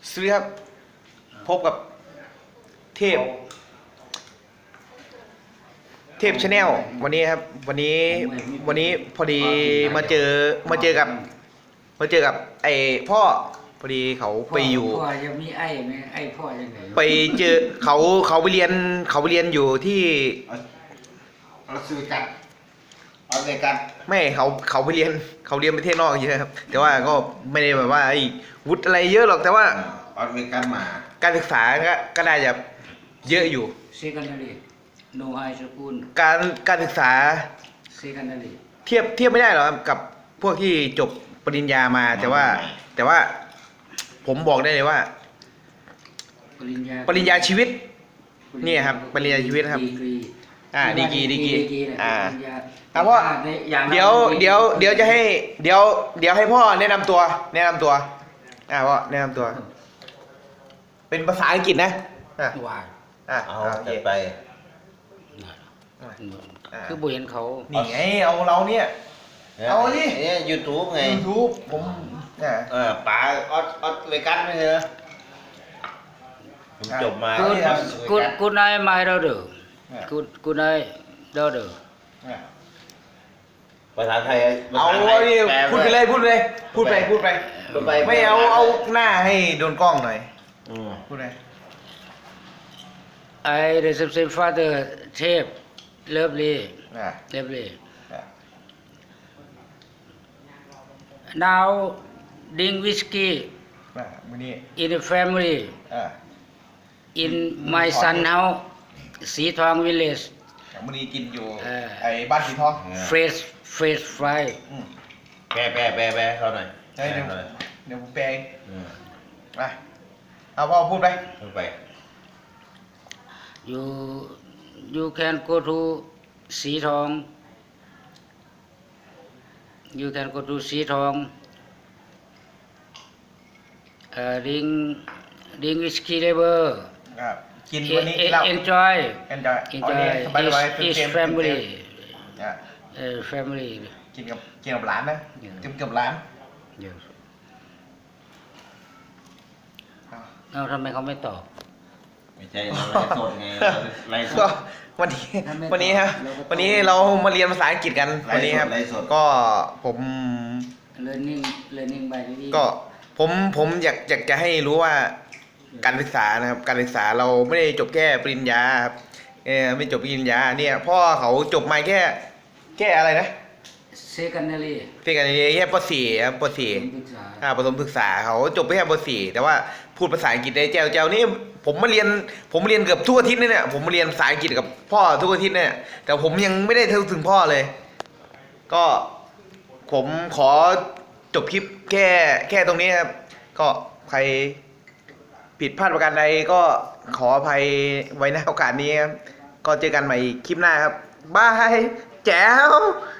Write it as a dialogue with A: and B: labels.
A: สวัสดีครับพบกับเทพชาแนลวันนี้ครับวันนี้พอดีมาเจอกับไอ้พ่อพอดีเขาไปอยู่
B: พ่อจะมีไอ้ไหมไอ้พ่อยังไง
A: ไปเจอเขาไปเรียนอยู่ที่
C: เราซื้อกันเอาเลยกัน
A: ไม่เขาไปเรียนประเทศนอกเยอะครับแต่ว่าก็ไม่ได้แบบว่าไอ้วุฒิอะไรเยอะหรอกแต่ว่า
C: เอาเลยกันมา
A: การศึกษาก็น่าจะเยอะอยู่
B: secondary no high school
A: การศึกษา
B: secondary
A: เทียบไม่ได้หรอกครับกับพวกที่จบปริญญามาแต่ว่าผมบอกได้เลยว่าปริญญาชีวิตนี่ครับปริญญาชีวิตครับดีกรีเพราะเดี๋ยวจะให้เดี๋ยวให้พ่อแนะนำตัวพ่อแนะนำตัวเป็นภาษาอังกฤษนะ
B: ว่า
C: เอาไป
B: คือบุเห็นเขา
A: นี่ไงเอาเราเนี่ยเอาดิ
C: YouTube ไง
A: YouTube ผม
C: ป๋าออดเลยกันไม่ใช่เหรอจบมา
B: คุณนายมาเราเด้อคุณนายเราเด้อ
C: ภาษาไทย
A: เอาดิพูดไปไม่เอาหน้าให้โดนกล้องหน่อยพูดเลย
B: I reception father chef lovely now drink whiskey in the family in my son house สีทอง village
A: มื้อนี้กินอยู่ไอ้บ้านสีทอง
B: fresh fry
C: แปลเขาหน่อย
A: เดี๋ยวผมแปลมาเอาพ่อพูดไป
B: you can go to สีทอง you can go to สีทองdrink whiskey level
A: กินวันนี้
B: enjoy
A: is
B: family family
A: กินกับหลานนะกินกับหลาน
B: เอาทำไมเขาไม่ตอบ
C: ไม่ใช่เราไลฟ์สดไงไลฟ์สด
A: วันนี้ครับวันนี้เรามาเรียนภาษาอังกฤษกันวันนี้ครับก็ผม
B: learning by
A: ก็ผมอยากจะให้รู้ว่าการศึกษานะครับการศึกษาเราไม่ได้จบแค่ปริญญาครับไม่จบปริญญาเนี่ยพ่อเขาจบมาแค่อะไรนะ
B: secondary
A: แค่ป .4 ครับป .4 ประถมศึกษาเขาจบไปแค่ป .4 แต่ว่าพูดภาษาอังกฤษได้แจ๋วนี่ผมมาเรียนเกือบทุกอาทิตย์เนี่ยผมมาเรียนภาษาอังกฤษกับพ่อทุกอาทิตย์เนี่ยแต่ผมยังไม่ได้ถึงพ่อเลยก็ผมขอจบคลิปแค่ตรงนี้ครับก็ใครผิดพลาดประการใดก็ขออภัยไว้ในโอกาสนี้ครับก็เจอกันใหม่คลิปหน้าครับบายแจ๋ว